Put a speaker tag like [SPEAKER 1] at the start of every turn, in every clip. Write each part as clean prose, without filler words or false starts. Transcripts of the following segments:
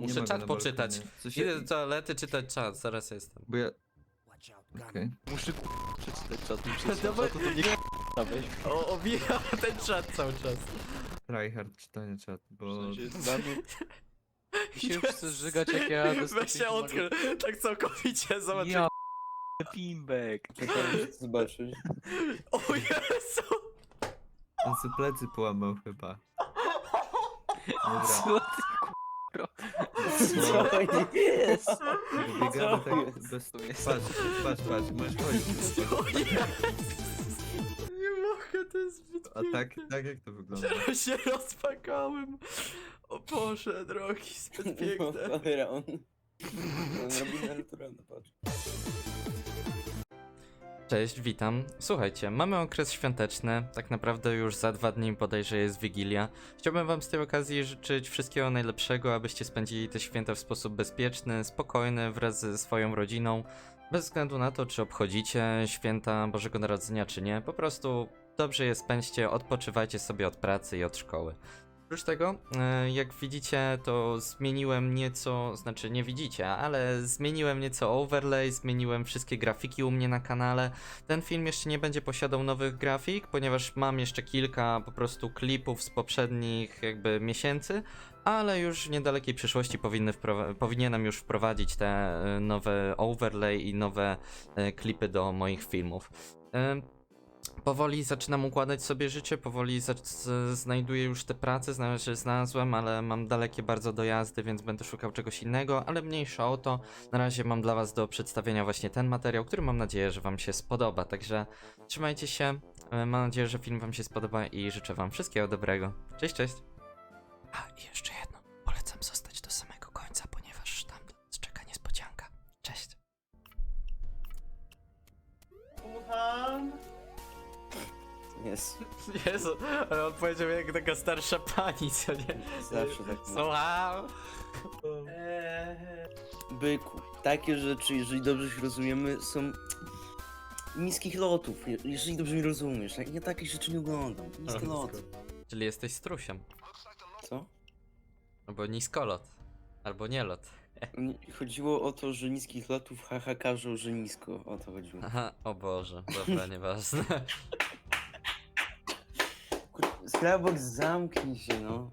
[SPEAKER 1] Muszę
[SPEAKER 2] ma go
[SPEAKER 1] czat
[SPEAKER 2] na
[SPEAKER 1] poczytać.
[SPEAKER 2] balkonie. W sensie-
[SPEAKER 1] Idę do toalety czytać czat, zaraz jestem.
[SPEAKER 2] Bo ja... Okej.
[SPEAKER 3] Muszę przeczytać czat, muszę
[SPEAKER 1] No
[SPEAKER 3] czat,
[SPEAKER 1] bo-
[SPEAKER 3] to nie weź.
[SPEAKER 1] Obija ten czat cały czas.
[SPEAKER 2] Tryhard czytanie czat, bo...
[SPEAKER 3] W sensie, dla mnie... Mi się chce żygać jak ja
[SPEAKER 1] Weź się odkrył, tak całkowicie, zobacz.
[SPEAKER 3] Ja Pimbek.
[SPEAKER 4] Zobaczyć.
[SPEAKER 1] O Jezu!
[SPEAKER 2] On sobie plecy połamał chyba. Dobra,
[SPEAKER 3] Co ty
[SPEAKER 4] Co jest?
[SPEAKER 2] biegamy
[SPEAKER 4] Co
[SPEAKER 2] tak bez...
[SPEAKER 3] To jest-
[SPEAKER 2] Patrz, możesz chodzić.
[SPEAKER 1] O Jezu! Nie mogę, to jest zbyt
[SPEAKER 2] A tak jak to wygląda?
[SPEAKER 1] Ja się rozpakałem. O Boże, drogi, zbyt piękne.
[SPEAKER 4] Cholera, on robi naturalne, patrz.
[SPEAKER 1] Cześć, witam. Słuchajcie, mamy okres świąteczny, tak naprawdę już za 2 dni bodajże jest Wigilia. Chciałbym wam z tej okazji życzyć wszystkiego najlepszego, abyście spędzili te święta w sposób bezpieczny, spokojny, wraz ze swoją rodziną. Bez względu na to, czy obchodzicie święta Bożego Narodzenia, czy nie. Po prostu dobrze je spędźcie, odpoczywajcie sobie od pracy i od szkoły. Oprócz tego, jak widzicie, to zmieniłem nieco, znaczy nie widzicie, ale zmieniłem nieco overlay, zmieniłem wszystkie grafiki u mnie na kanale. Ten film jeszcze nie będzie posiadał nowych grafik, ponieważ mam jeszcze kilka po prostu klipów z poprzednich jakby miesięcy, ale już w niedalekiej przyszłości powinienem już wprowadzić te nowe overlay i nowe klipy do moich filmów. Powoli zaczynam układać sobie życie, powoli znajduję już te prace, znalazłem, ale mam dalekie bardzo dojazdy, więc będę szukał czegoś innego, ale mniejsza o to. Na razie mam dla was do przedstawienia właśnie ten materiał, który mam nadzieję, że wam się spodoba, także trzymajcie się, mam nadzieję, że film wam się spodoba i życzę wam wszystkiego dobrego. Cześć, cześć! A, i jeszcze jedno, polecam zostać do samego końca, ponieważ tam czeka niespodzianka. Cześć!
[SPEAKER 4] Jest.
[SPEAKER 1] Jezu, ale on powiedział jak taka starsza pani, co nie?
[SPEAKER 4] Zawsze tak.
[SPEAKER 1] Słucham!
[SPEAKER 4] Byku, takie rzeczy, jeżeli dobrze się rozumiemy, są niskich lotów. Jeżeli dobrze mnie rozumiesz, ja takich rzeczy nie oglądam. Niskie loty.
[SPEAKER 1] Czyli jesteś strusiem.
[SPEAKER 4] Co?
[SPEAKER 1] Albo niskolot. Albo nielot.
[SPEAKER 4] Chodziło o to, że niskich lotów haha każą, że nisko. O to chodziło.
[SPEAKER 1] Aha, o Boże, dobra, nieważne.
[SPEAKER 4] Skrabok, zamknij się, no.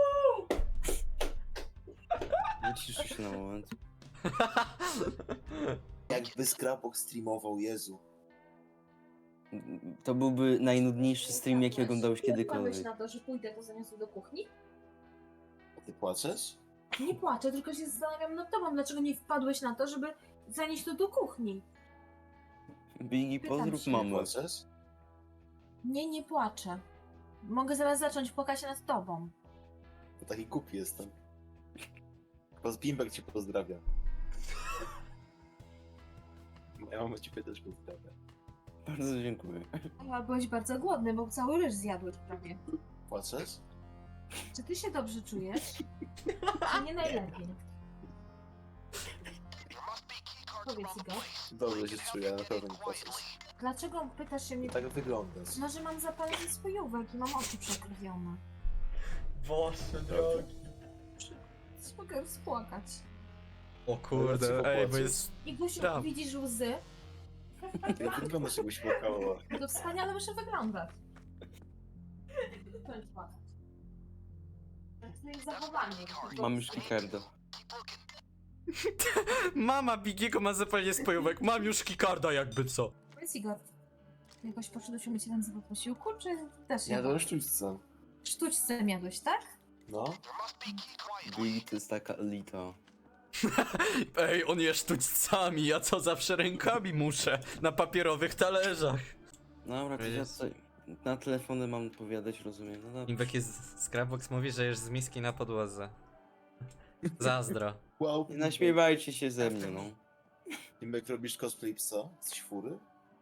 [SPEAKER 4] Wyciszę się na moment.
[SPEAKER 5] Jakby Skrapok streamował, Jezu.
[SPEAKER 4] To byłby najnudniejszy stream, jaki oglądałeś
[SPEAKER 6] Wpadłeś
[SPEAKER 4] kiedykolwiek.
[SPEAKER 6] na to, że pójdę to zaniosę do kuchni?
[SPEAKER 5] A ty płaczesz?
[SPEAKER 6] Nie płaczę, tylko się zastanawiam nad tobą, dlaczego nie wpadłeś na to, żeby zanieść to do kuchni.
[SPEAKER 4] Biggie,
[SPEAKER 6] Pytam
[SPEAKER 4] pozdrów
[SPEAKER 6] się.
[SPEAKER 4] mamę.
[SPEAKER 5] Płaczesz?
[SPEAKER 6] Nie płaczę. Mogę zaraz zacząć płakać nad tobą.
[SPEAKER 5] To taki głupi jestem. Bimbek cię pozdrawia. Moja mama ciebie też pozdrawia.
[SPEAKER 4] Bardzo dziękuję.
[SPEAKER 6] A byłeś bardzo głodny, bo cały ryż zjadłeś prawie.
[SPEAKER 5] Płaczesz?
[SPEAKER 6] Czy ty się dobrze czujesz? Nie najlepiej. Powiedz Igor,
[SPEAKER 5] Dobrze się czuję, na pewno nie płaczesz.
[SPEAKER 6] dlaczego pytasz się mnie...
[SPEAKER 5] Tak wyglądasz.
[SPEAKER 6] No, że mam zapalenie spojówek i mam oczy przekrwione.
[SPEAKER 1] Boże drogi.
[SPEAKER 6] Mogę rozpłakać.
[SPEAKER 1] O
[SPEAKER 5] Ale
[SPEAKER 1] kurde,
[SPEAKER 5] dlaczego
[SPEAKER 1] ej, bo
[SPEAKER 5] płaczesz?
[SPEAKER 1] jest...
[SPEAKER 6] Igusiu,
[SPEAKER 1] Tam.
[SPEAKER 6] widzisz łzy?
[SPEAKER 5] Jak wyglądasz, jakbyś płakała?
[SPEAKER 6] To wspaniale muszę wyglądać. To jest płakać. Tak jest zachowanie.
[SPEAKER 4] Mam już kikardo.
[SPEAKER 1] Mama Bigiego ma zapalenie spojówek, mam już kikarda jakby co.
[SPEAKER 6] Powiedz Igor, jakoś poszedł się myć ręce po posiłku, czy też
[SPEAKER 5] Ja to sztućce.
[SPEAKER 6] sztućce jadłeś, tak?
[SPEAKER 5] No.
[SPEAKER 4] Biggie to jest taka elita.
[SPEAKER 1] Ej, on je sztućcami, ja co zawsze rękami muszę, na papierowych talerzach.
[SPEAKER 4] Dobra, to ja
[SPEAKER 1] Jest.
[SPEAKER 4] tutaj na telefony mam odpowiadać, rozumiem. No dobra.
[SPEAKER 1] Imbek jest... Scrapbox mówi, że jesz z miski na podłodze. Zazdro.
[SPEAKER 5] Wow.
[SPEAKER 4] Nie naśmiewajcie się ze mnie, no.
[SPEAKER 5] Bimbek, robisz cosplay psa? Jesteś fury?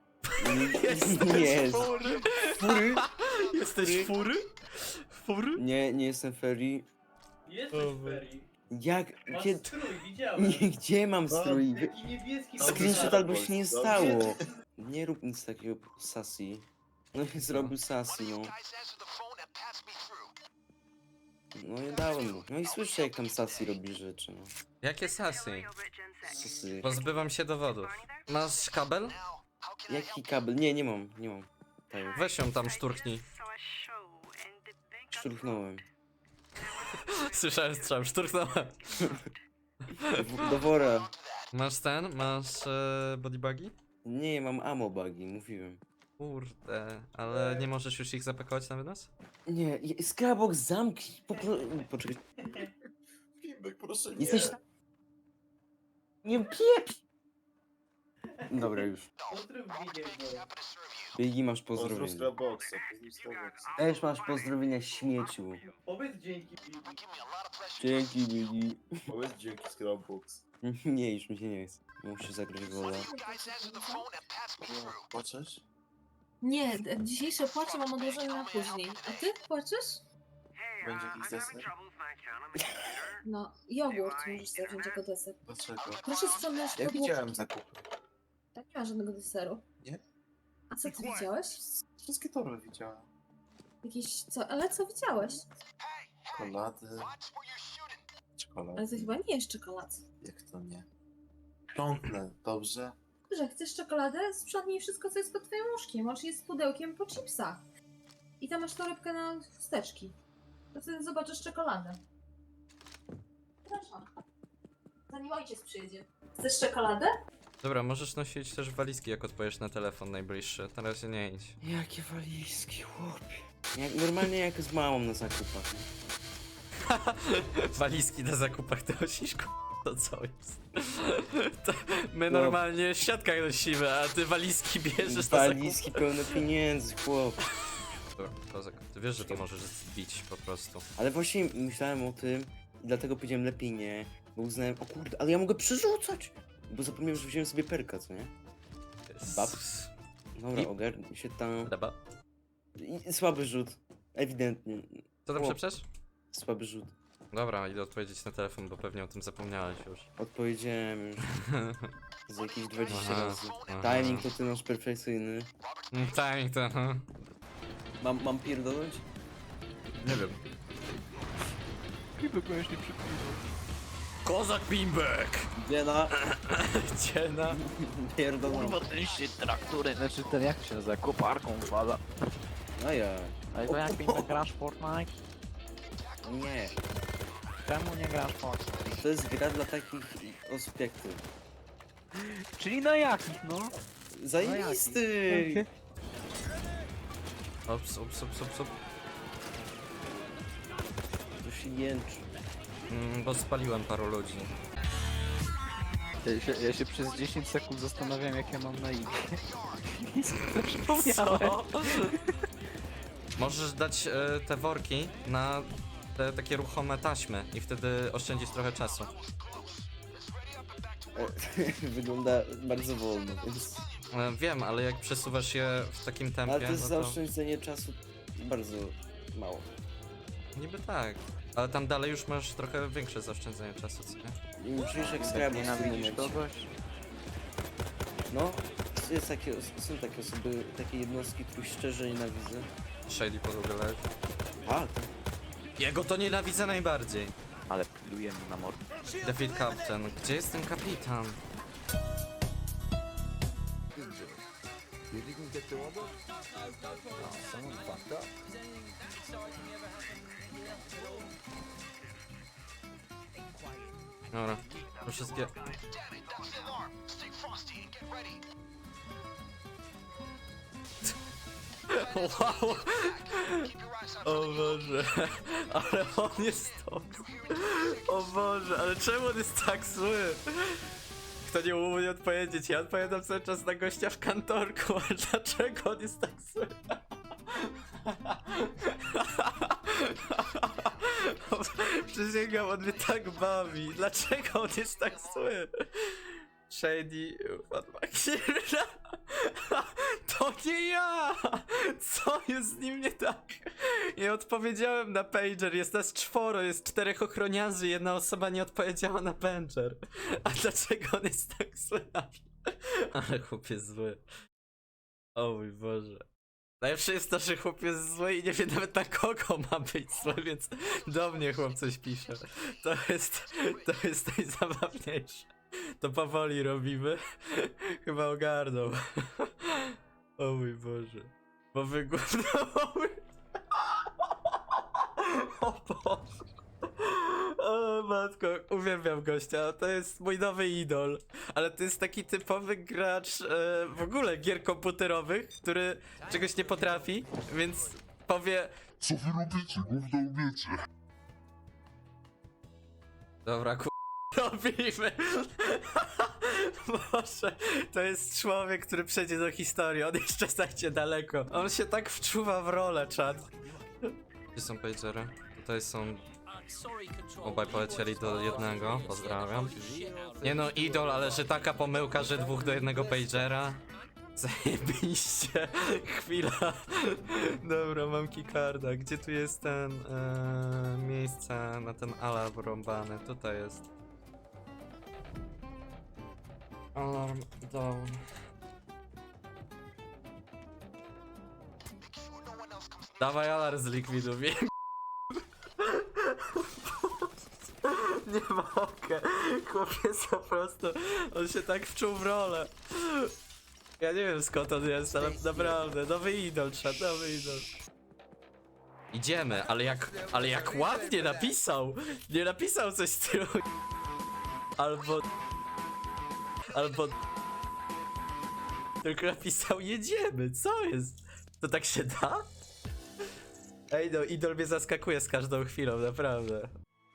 [SPEAKER 4] Nie,
[SPEAKER 1] fury?
[SPEAKER 4] fury?
[SPEAKER 1] Jesteś fury? Fury?
[SPEAKER 4] Nie jestem fairy.
[SPEAKER 7] Jesteś Ferry.
[SPEAKER 4] Jak?
[SPEAKER 7] Masz
[SPEAKER 4] Gdzie,
[SPEAKER 7] strój, widziałem.
[SPEAKER 4] nie, gdzie mam strój?
[SPEAKER 7] Taki niebieski.
[SPEAKER 4] Screenshot albo się nie
[SPEAKER 5] Dobrze.
[SPEAKER 4] stało. Nie rób nic takiego, sassy. No i zrobił sassy, no. No nie dałem mu. No i słyszę jak tam Sassy robi rzeczy, no.
[SPEAKER 1] Jakie sasy?
[SPEAKER 4] Sassy.
[SPEAKER 1] Pozbywam się dowodów. Masz kabel?
[SPEAKER 4] Jaki kabel? Nie, nie mam. Tak,
[SPEAKER 1] Weź ją tam szturknij.
[SPEAKER 4] szturchnąłem.
[SPEAKER 1] Słyszałem strzał, szturknąłem.
[SPEAKER 4] Do wora.
[SPEAKER 1] Masz ten? Masz bodybugi?
[SPEAKER 4] Nie, mam ammo bugi, mówiłem.
[SPEAKER 1] Kurde, ale nie możesz już ich zapakować na wynos?
[SPEAKER 4] Nie, Skybox zamknij. Poczekaj.
[SPEAKER 5] Bimbek, proszę nie.
[SPEAKER 4] Jesteś... Nie pieprz! Dobra, już.
[SPEAKER 7] Pozdrów widzieć go.
[SPEAKER 4] Bigi, masz
[SPEAKER 5] Pozdrów
[SPEAKER 4] pozdrowienia.
[SPEAKER 5] Scrapboxa, pozdrów Scrapboxa.
[SPEAKER 4] Też masz pozdrowienia, śmieciu.
[SPEAKER 7] Powiedz dzięki.
[SPEAKER 4] Dzięki, Bigi.
[SPEAKER 5] Powiedz dzięki Scrapbox.
[SPEAKER 4] Nie, już mi się nie chce. Muszę zagrać wola.
[SPEAKER 5] Płaczesz?
[SPEAKER 6] Nie, dzisiejsze płacze mam odłożone na później. A ty płaczesz?
[SPEAKER 5] Będzie jakiś deser?
[SPEAKER 6] No, jogurt możesz sobie wziąć jako deser.
[SPEAKER 5] Dlaczego?
[SPEAKER 6] Proszę sprzątnąć
[SPEAKER 5] Ja
[SPEAKER 6] podłogę.
[SPEAKER 5] widziałem zakupy.
[SPEAKER 6] Tak, nie ma żadnego deseru.
[SPEAKER 5] Nie?
[SPEAKER 6] A co ty widziałeś?
[SPEAKER 5] Wszystkie torby widziałem.
[SPEAKER 6] Jakieś co? Ale co widziałeś?
[SPEAKER 5] Czekolady.
[SPEAKER 6] Ale
[SPEAKER 5] Czekolady.
[SPEAKER 6] to chyba nie jest czekolad.
[SPEAKER 5] Jak to nie? Ciągle, dobrze?
[SPEAKER 6] Że chcesz czekoladę? Sprzątnij wszystko, co jest pod twoim łóżkiem. Masz je z pudełkiem po chipsach. I tam masz torebkę na chusteczki. To wtedy zobaczysz czekoladę. Przepraszam. Zanim ojciec przyjedzie. Chcesz czekoladę?
[SPEAKER 1] Dobra, możesz nosić też walizki, jak odpowiesz na telefon najbliższy. Na razie nie idź.
[SPEAKER 4] Jakie walizki, chłopie. Normalnie jak z mamą na zakupach.
[SPEAKER 1] Walizki na zakupach to nosisz, to co jest? To my normalnie w siatkach nosimy, a ty walizki bierzesz na zakupy.
[SPEAKER 4] Walizki pełne pieniędzy, chłop.
[SPEAKER 1] Dobra, kozak, ty wiesz, że to możesz zbić po prostu.
[SPEAKER 4] Ale właśnie myślałem o tym i dlatego powiedziałem lepiej nie, bo uznałem, o kurde, ale ja mogę przerzucać! Bo zapomniałem, że wziąłem sobie perka, co nie? Bab. Dobra,
[SPEAKER 1] I-
[SPEAKER 4] ogarnij się tam.
[SPEAKER 1] Dobra.
[SPEAKER 4] I słaby rzut. Ewidentnie.
[SPEAKER 1] Co tam
[SPEAKER 4] Chłop.
[SPEAKER 1] przeprzesz?
[SPEAKER 4] Słaby rzut.
[SPEAKER 1] Dobra, idę odpowiedzieć na telefon, bo pewnie o tym zapomniałeś już.
[SPEAKER 4] Odpowiedziałem już z jakieś 20
[SPEAKER 1] Aha,
[SPEAKER 4] razy.
[SPEAKER 1] aha.
[SPEAKER 4] Timing to ty masz perfekcyjny.
[SPEAKER 1] Timing to,
[SPEAKER 4] Mam pierdolnąć?
[SPEAKER 1] nie wiem.
[SPEAKER 3] Bimbek będziesz nie przykrywał.
[SPEAKER 1] Kozak Bimbek!
[SPEAKER 4] Dziena.
[SPEAKER 1] Ciena.
[SPEAKER 4] Pierdolnąć.
[SPEAKER 3] Kurwa, ten się traktury, znaczy ten jak się nazywa, koparką wpada.
[SPEAKER 4] A ja.
[SPEAKER 3] Ale to jak Bimbek grasz w Fortnite?
[SPEAKER 4] Nie.
[SPEAKER 3] Czemu nie grasz w Fortnite?
[SPEAKER 4] To jest gra dla takich osób jak ty.
[SPEAKER 3] Czyli na jakich, no?
[SPEAKER 4] Zajebisty!
[SPEAKER 1] Ops, ops, ops, ops, ops.
[SPEAKER 4] To się jęczy.
[SPEAKER 1] Bo spaliłem paru ludzi.
[SPEAKER 3] Ja się przez 10 sekund zastanawiam jak ja mam na imię. I sobie przypomniałem.
[SPEAKER 1] Możesz dać te worki na te takie ruchome taśmy i wtedy oszczędzisz trochę czasu.
[SPEAKER 4] Wygląda bardzo wolno, więc...
[SPEAKER 1] Wiem, ale jak przesuwasz je w takim tempie,
[SPEAKER 4] Ale to jest
[SPEAKER 1] no to...
[SPEAKER 4] zaoszczędzenie czasu bardzo mało.
[SPEAKER 1] Niby tak. Ale tam dalej już masz trochę większe zaoszczędzenie czasu, co nie?
[SPEAKER 4] Czujesz jak
[SPEAKER 3] Jak
[SPEAKER 4] skrabus w tym
[SPEAKER 3] nienawidzisz
[SPEAKER 4] momencie.
[SPEAKER 3] kogoś?
[SPEAKER 4] No, są takie osoby, takie jednostki, których szczerze nienawidzę.
[SPEAKER 1] Shady podłogę leży.
[SPEAKER 4] A, to...
[SPEAKER 1] Jego to nienawidzę najbardziej.
[SPEAKER 3] Ale pilujemy na mordę.
[SPEAKER 1] David Captain. Gdzie jest ten kapitan? Dobra, to wszystkie... Wow! O Boże, ale on jest top. O Boże, ale czemu on jest tak zły? Kto nie umie odpowiedzieć? Ja odpowiadam cały czas na gościa w kantorku, ale dlaczego on jest tak zły? Przysięgam, on mnie tak bawi. Dlaczego on jest tak zły? Shady, Fatmakira. To nie ja! Co jest z nim nie tak? Nie odpowiedziałem na pager, jest nas 4, jest 4 ochroniarzy, jedna osoba nie odpowiedziała na pager. A dlaczego on jest tak zły? Ale chłop jest zły. O mój Boże. Najlepsze jest to, że chłop jest zły i nie wie nawet na kogo ma być zły, więc do mnie chłop coś pisze. To jest najzabawniejsze. To powoli robimy. Chyba ogarnął. O mój Boże. Bo wygłupnął. O Boże. O matko, uwielbiam gościa, to jest mój nowy idol. Ale to jest taki typowy gracz w ogóle gier komputerowych, który czegoś nie potrafi, więc powie...
[SPEAKER 8] Co wy robicie? Gówno umiecie.
[SPEAKER 1] Dobra, robimy. Boże, to jest człowiek, który przejdzie do historii, on jeszcze zajdzie daleko. On się tak wczuwa w rolę, czad. Gdzie są pagery? Tutaj są... Obaj polecieli do jednego, pozdrawiam. Nie no, idol, ale że taka pomyłka, że 2 do 1 pagera. Zajebiście. Chwila. Dobra, mam keycarda. Gdzie tu jest ten miejsce na ten alarm rąbany? Tutaj jest. Alarm down. Dawaj alarm z likwidów. Nie mogę. Chłopiec po prostu. On się tak wczuł w rolę. Ja nie wiem skąd on jest, ale naprawdę. Nowy idol, trzeba, nowy idol. Idziemy, ale jak ładnie napisał. Nie napisał coś z tyłu. Albo... Tylko napisał jedziemy, co jest? To tak się da? Ej no, idol mnie zaskakuje z każdą chwilą, naprawdę.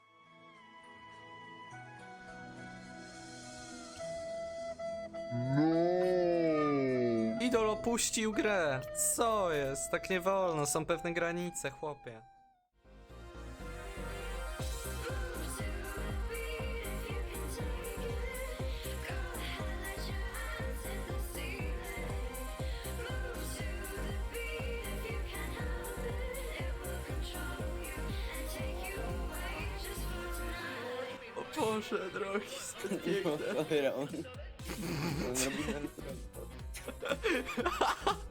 [SPEAKER 8] No.
[SPEAKER 1] Idol opuścił grę. Co jest? Tak nie wolno, są pewne granice, chłopie. O Boże, drogi, zbyt piękne.
[SPEAKER 4] Cholera, on robi ten...